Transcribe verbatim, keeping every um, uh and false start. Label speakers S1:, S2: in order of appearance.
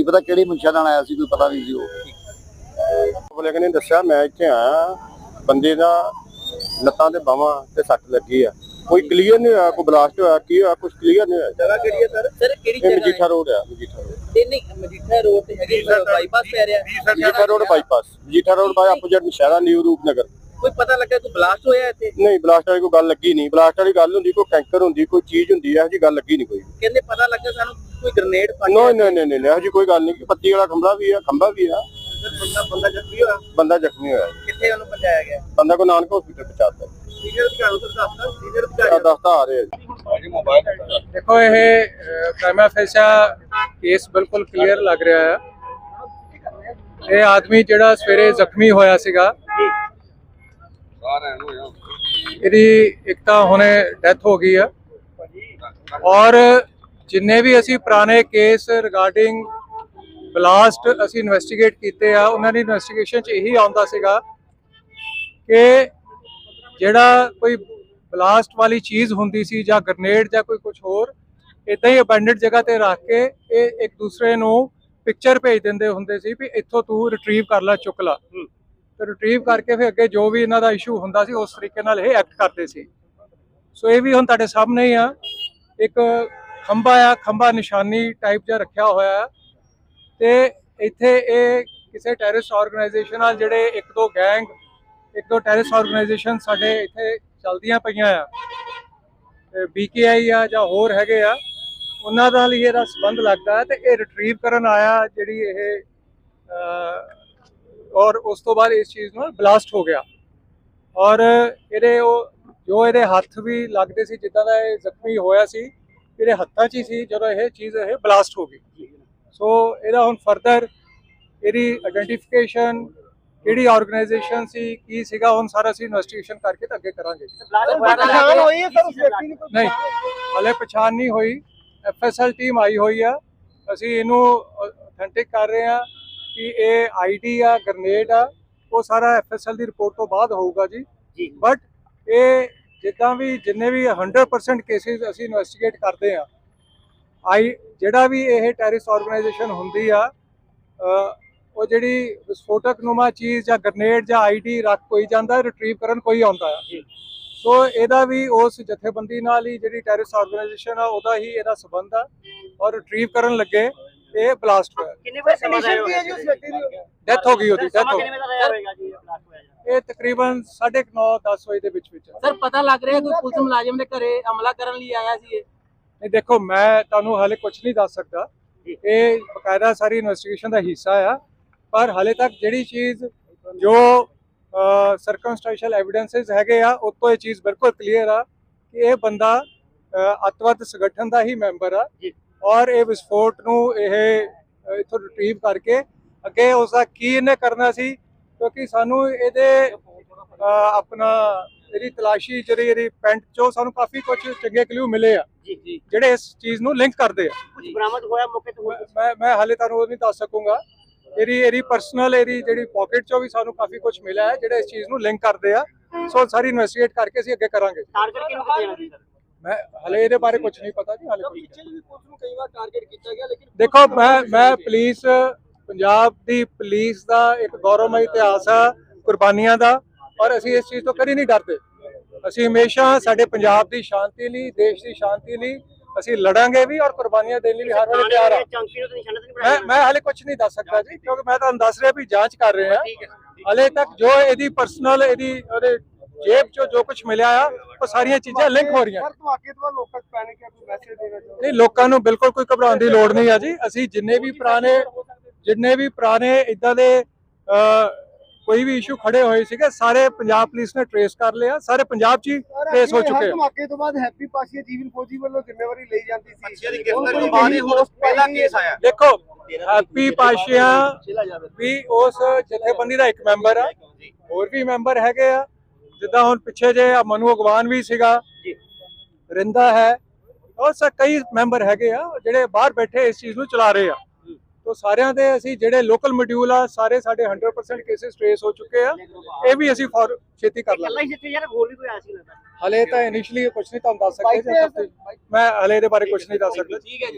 S1: पता किहड़ी मंशा नाल आया सी, कोई पता नहीं सी। वो
S2: लेकिन ने दस्सिया मैं इत्थे आया, बंदे दा लत्तां ते बाहां ते सट लगी है, कोई क्लीयर नहीं होया, कोई ब्लास्ट होया की होया कुछ क्लीयर नहीं होया।
S3: जगह केड़ी है सर? सर केड़ी जगह?
S2: मजीठा रोड है, मजीठा रोड।
S3: ते नहीं मजीठा रोड ते हैगे बाईपास पे आ रहा।
S2: Majitha road bypass, Majitha road by opposite Nashehra new Rupnagar.
S3: कोई पता लगा कोई ब्लास्ट होया इत्थे?
S2: नहीं ब्लास्ट वाली कोई गल लगी नहीं, ब्लास्ट वाली गल हुंदी कोई टैंकर हुंदी, कोई चीज हुंदी है, जी गल लगी नहीं कोई।
S3: कहंदे पता लगा सानू कोई ग्रेनेड फट
S2: नहीं नहीं नहीं नहीं नहीं जी कोई गल नहीं। पत्ती वाला खंभा भी है, खंभा भी है।
S3: बंदा बंदा जख्मी होया?
S2: बंदा जख्मी होया।
S3: किथे ओनु पहुंचाया गया?
S2: बंदा को नानक हॉस्पिटल पहुंचाता।
S3: सीनियर अधिकारी उधर दसदा, सीनियर अधिकारी
S2: दसदा आ रहे हैं।
S4: देखो ये प्राइमा फेसा केस बिल्कुल क्लीयर लग रहा है। ये आदमी जिहड़ा सवेरे जख्मी होया सीगा, ਇਹਦੀ ਇੱਕ ਤਾਂ ਹੁਣੇ ਡੈਥ ਹੋ ਗਈ ਆ, ਔਰ ਜਿੰਨੇ ਵੀ ਅਸੀਂ ਪੁਰਾਣੇ ਕੇਸ ਰਿਗਾਰਡਿੰਗ ਬਲਾਸਟ ਅਸੀਂ ਇਨਵੈਸਟੀਗੇਟ ਕੀਤੇ ਆ, ਉਹਨਾਂ ਦੀ ਇਨਵੈਸਟੀਗੇਸ਼ਨ 'ਚ ਇਹੀ ਆਉਂਦਾ ਸੀਗਾ ਕਿ ਜਿਹੜਾ ਕੋਈ ਬਲਾਸਟ ਵਾਲੀ ਚੀਜ਼ ਹੁੰਦੀ ਸੀ ਜਾਂ ਗ੍ਰਨੇਡ ਜਾਂ ਕੋਈ ਕੁਝ ਹੋਰ ਇਦਾਂ ਹੀ ਅਬੈਂਡਡ ਜਗ੍ਹਾ ਤੇ ਰੱਖ ਕੇ ਇਹ ਇੱਕ ਦੂਸਰੇ ਨੂੰ ਪਿਕਚਰ ਭੇਜ ਦਿੰਦੇ ਹੁੰਦੇ ਸੀ ਵੀ ਇੱਥੋਂ ਤੂੰ ਰਿਟਰੀਵ ਕਰ ਲੈ, ਚੁੱਕ ਲਾ, ਤੇ ਰਿਟਰੀਵ ਕਰਕੇ ਫਿਰ ਅੱਗੇ ਜੋ ਵੀ ਇਹਨਾਂ ਦਾ ਇਸ਼ੂ ਹੁੰਦਾ ਸੀ ਉਸ ਤਰੀਕੇ ਨਾਲ ਇਹ ਐਕਟ ਕਰਦੇ ਸੀ। ਸੋ ਇਹ ਵੀ ਹੁਣ ਤੁਹਾਡੇ ਸਾਹਮਣੇ ਹੀ ਆ, ਇੱਕ ਖੰਭਾ ਆ, ਖੰਭਾ ਨਿਸ਼ਾਨੀ ਟਾਈਪ ਜਿਹਾ ਰੱਖਿਆ ਹੋਇਆ ਤੇ ਇੱਥੇ ਇਹ ਕਿਸੇ ਟੈਰਰਿਸਟ ਆਰਗੇਨਾਈਜੇਸ਼ਨ ਨਾਲ ਜਿਹੜੇ ਇੱਕ ਦੋ ਗੈਂਗ ਇੱਕ ਦੋ ਟੈਰਰਿਸਟ ਆਰਗੇਨਾਈਜੇਸ਼ਨ ਸਾਡੇ ਇੱਥੇ ਚੱਲਦੀਆਂ ਪਈਆਂ ਆ, ਬੀਕੇਆਈ ਆ ਜਾਂ ਹੋਰ ਹੈਗੇ ਆ, ਉਹਨਾਂ ਨਾਲ ਹੀ ਇਹਦਾ ਸੰਬੰਧ ਲੱਗਦਾ ਤੇ ਇਹ ਰਿਟਰੀਵ ਕਰਨ ਆਇਆ ਜਿਹੜੀ ਇਹ और उस तो बाद इस चीज़ में ब्लास्ट हो गया। और ये जो ये हथ भी लगते सी जिदा का जख्मी होया सी, ये हत्थां च ही सी जो ये चीज़ ये ब्लास्ट हो गई। सो ਇਹਦਾ ਹੁਣ ਫਰਦਰ ਇਹਦੀ ਆਇਡੈਂਟੀਫਿਕੇਸ਼ਨ ਕਿਹੜੀ ਆਰਗੇਨਾਈਜੇਸ਼ਨ ਸੀ ਕੀ ਸੀਗਾ ਹੁਣ ਸਾਰਾ ਅਸੀਂ ਇਨਵੈਸਟੀਗੇਸ਼ਨ ਕਰਕੇ ਤਾਂ ਅੱਗੇ ਕਰਾਂਗੇ।
S3: ਪਛਾਣ ਹੋਈ ਹੈ ਸਰ ਉਸ ਵਿਅਕਤੀ ਦੀ?
S4: ਨਹੀਂ ਹਲੇ ਪਛਾਣ ਨਹੀਂ ਹੋਈ, ਐਫਐਸਐਲ ਟੀਮ ਆਈ ਹੋਈ ਆ, ਅਸੀਂ ਇਹਨੂੰ ਅਥੈਂਟਿਕ ਕਰ ਰਹੇ ਆ कि ये आईडी आ ग्रनेड आ वो सारा एफएसएल की रिपोर्ट तो बाद होगा जी। बट ये जिदा भी जिन्ने भी हंड्रेड परसेंट केसेस असी इन्वेस्टिगेट करते हैं, आई जिहड़ा भी ये टैररिस्ट ऑर्गेनाइजेशन होंदी आ वो जिहड़ी विस्फोटक नुमा चीज़ या ग्रनेड या आईडी रख कोई जाता रिट्रीव करन कोई आता है। सो ਇਹਦਾ भी उस जथेबंदी नाल ही जिहड़ी टैररिस्ट ऑर्गेनाइजेशन आ ਉਹਦਾ ही ਇਹਦਾ संबंध आ और रिट्रीव करन लगे ਇਹ ਬਲਾਸਟ ਹੋਇਆ।
S3: ਕਿੰਨੇ ਵਜੇ ਕੰਡੀਸ਼ਨ ਕੀ ਹੈ ਜੀ ਉਸ ਵਿਅਕਤੀ ਦੀ?
S4: ਡੈਥ ਹੋ ਗਈ, ਉਹਦੀ ਡੈਥ ਹੋ ਗਈ।
S3: ਕਿੰਨੇ ਵਜੇ ਦਾ ਹੋਏਗਾ ਜੀ ਇਹ ਬਲਾਸਟ ਹੋਇਆ?
S4: ਇਹ ਤਕਰੀਬਨ ਸਾਢੇ ਨੌ ਦਸ ਵਜੇ ਦੇ ਵਿੱਚ ਵਿੱਚ।
S3: ਸਰ ਪਤਾ ਲੱਗ ਰਿਹਾ ਕੋਈ ਪੁਲਿਸ ਮੁਲਾਜ਼ਮ ਦੇ ਘਰੇ ਹਮਲਾ ਕਰਨ ਲਈ ਆਇਆ ਸੀ ਇਹ?
S4: ਨਹੀਂ ਦੇਖੋ ਮੈਂ ਤੁਹਾਨੂੰ ਹਾਲੇ ਕੁਝ ਨਹੀਂ ਦੱਸ ਸਕਦਾ, ਇਹ ਬਕਾਇਦਾ ਸਾਰੀ ਇਨਵੈਸਟੀਗੇਸ਼ਨ ਦਾ ਹਿੱਸਾ ਆ, ਪਰ ਹਾਲੇ ਤੱਕ ਜਿਹੜੀ ਚੀਜ਼ ਜੋ ਸਰਕਮਸਟੈਂਸ਼ੀਅਲ ਐਵੀਡੈਂਸਸ ਹੈਗੇ ਆ ਉਹ ਤੋਂ ਇਹ ਚੀਜ਼ ਬਿਲਕੁਲ ਕਲੀਅਰ ਆ ਕਿ ਇਹ ਬੰਦਾ ਅੱਤਵਾਦ ਸੰਗਠਨ ਦਾ ਹੀ ਮੈਂਬਰ ਆ और ये विस्फोट ਨੂੰ ਇਹ ਇਥੋਂ ਰਿਟਰੀਵ ਕਰਕੇ ਅੱਗੇ ਉਸ ਦਾ ਕੀ ਇਹਨੇ ਕਰਨਾ ਸੀ, ਕਿਉਂਕਿ ਸਾਨੂੰ ਇਹਦੇ ਆਪਣਾ ਇਹਦੀ ਤਲਾਸ਼ੀ ਜਿਹੜੀ ਇਹਦੀ ਪੈਂਟ ਚੋਂ ਸਾਨੂੰ ਕਾਫੀ ਕੁਝ ਚੰਗੇ ਕਲੂ ਮਿਲੇ ਆ ਜਿਹੜੇ ਇਸ ਚੀਜ਼ ਨੂੰ ਲਿੰਕ ਕਰਦੇ ਆ।
S3: ਕੁਝ ਬਰਾਮਦ ਹੋਇਆ ਮੌਕੇ ਤੇ?
S4: ਮੈਂ ਮੈਂ ਹਾਲੇ ਤੁਹਾਨੂੰ ਉਹ ਨਹੀਂ ਦੱਸ ਸਕੂੰਗਾ। ਇਹਦੀ ਇਹਦੀ ਪਰਸਨਲ ਇਹਦੀ ਜਿਹੜੀ ਪਾਕਟ ਚੋਂ ਵੀ ਸਾਨੂੰ ਕਾਫੀ ਕੁਝ ਮਿਲਿਆ ਹੈ ਜਿਹੜੇ ਇਸ ਚੀਜ਼ ਨੂੰ ਲਿੰਕ ਕਰਦੇ ਆ। ਸੋ ਸਾਰੀ ਇਨਵੈਸਟੀਗੇਟ ਕਰਕੇ ਅਸੀਂ ਅੱਗੇ ਕਰਾਂਗੇ।
S3: ਟਾਰਗੇਟ ਕਿਹਨੂੰ ਕੀਤਾ ਜਾਣਾ ਸੀ ਸਰ?
S4: मैं हले ਇਹਦੇ ਬਾਰੇ ਕੁਝ ਨਹੀਂ ਪਤਾ ਜੀ। ਹਾਲੇ
S3: ਪਿੱਛੇ ਵੀ ਪੁਲਿਸ ਨੂੰ ਕਈ ਵਾਰ ਟਾਰਗੇਟ ਕੀਤਾ ਗਿਆ, ਲੇਕਿਨ
S4: ਦੇਖੋ ਮੈਂ ਮੈਂ ਪੁਲਿਸ ਪੰਜਾਬ ਦੀ ਪੁਲਿਸ ਦਾ ਇੱਕ ਗੌਰਵਮਈ ਇਤਿਹਾਸ ਆ ਕੁਰਬਾਨੀਆਂ ਦਾ, ਔਰ ਅਸੀਂ ਇਸ ਚੀਜ਼ ਤੋਂ ਕਦੀ ਨਹੀਂ ਡਰਦੇ। ਅਸੀਂ ਹਮੇਸ਼ਾ ਸਾਡੇ ਪੰਜਾਬ ਦੀ ਸ਼ਾਂਤੀ ਲਈ, ਦੇਸ਼ ਦੀ ਸ਼ਾਂਤੀ ਲਈ ਅਸੀਂ ਲੜਾਂਗੇ ਵੀ ਔਰ ਕੁਰਬਾਨੀਆਂ ਦੇਣ ਲਈ ਹਰ ਵੇਲੇ ਤਿਆਰ ਆ। ਮੈਂ ਮੈਂ ਹਾਲੇ ਕੁਝ ਨਹੀਂ ਦੱਸ ਸਕਦਾ ਜੀ, ਕਿਉਂਕਿ ਮੈਂ ਤੁਹਾਨੂੰ ਦੱਸ ਰਿਹਾ ਵੀ ਜਾਂਚ ਕਰ ਰਹੇ ਆ। ਹਾਲੇ ਤੱਕ ਜੋ ਇਹਦੀ ਪਰਸਨਲ ਇਹਦੀ ਉਹਦੇ जेब चो जो कुछ मिला आ वो सारिया चीज़ां लिंक हो रही हैं। नहीं लोगों को बिल्कुल कोई घबराने की लोड़ नहीं है जी। असी जिन्ने भी पुराने जिन्ने भी पुराने इदा दे कोई भी इशू खड़े हुए सीगे सारे पंजाब पुलिस ने ट्रेस कर लिया, सारे पंजाब च ही ट्रेस हो चुके हैं।
S5: धमाके तो बाद हैप्पी पाशिया जीवन फौजी वालों जिम्मेवारी ली जाती थी।
S4: देखो हैप्पी पाशिया भी उस जथेबंदी का एक मैंबर है, होर भी मैंबर हैगे आ जिदा हुण पिछे जे मनु अगवान भी सीगा, रिंदा है और कई मैंबर हैगे आ जिहड़े बाहर बैठे इस चीज़ नूं चला रहे आ। तो सारिਆਂ ਦੇ ਅਸੀਂ ਜਿਹੜੇ ਲੋਕਲ ਮੋਡਿਊਲ ਆ ਸਾਰੇ ਸਾਡੇ हंड्रेड परसेंट केसेस ट्रेस हो चुके ਆ। ਇਹ ਵੀ ਅਸੀਂ ਫॉर ਛੇਤੀ ਕਰ ਲਾਂਗੇ। ਹਲੇ ਤਾਂ ਇਨੀਸ਼ੀਅਲੀ ਕੁਝ ਨਹੀਂ ਤੁਹਾਨੂੰ ਦੱਸ ਸਕਦੇ, ਮੈਂ ਹਲੇ ਇਹਦੇ ਬਾਰੇ ਕੁਝ ਨਹੀਂ ਦੱਸ ਸਕਦਾ।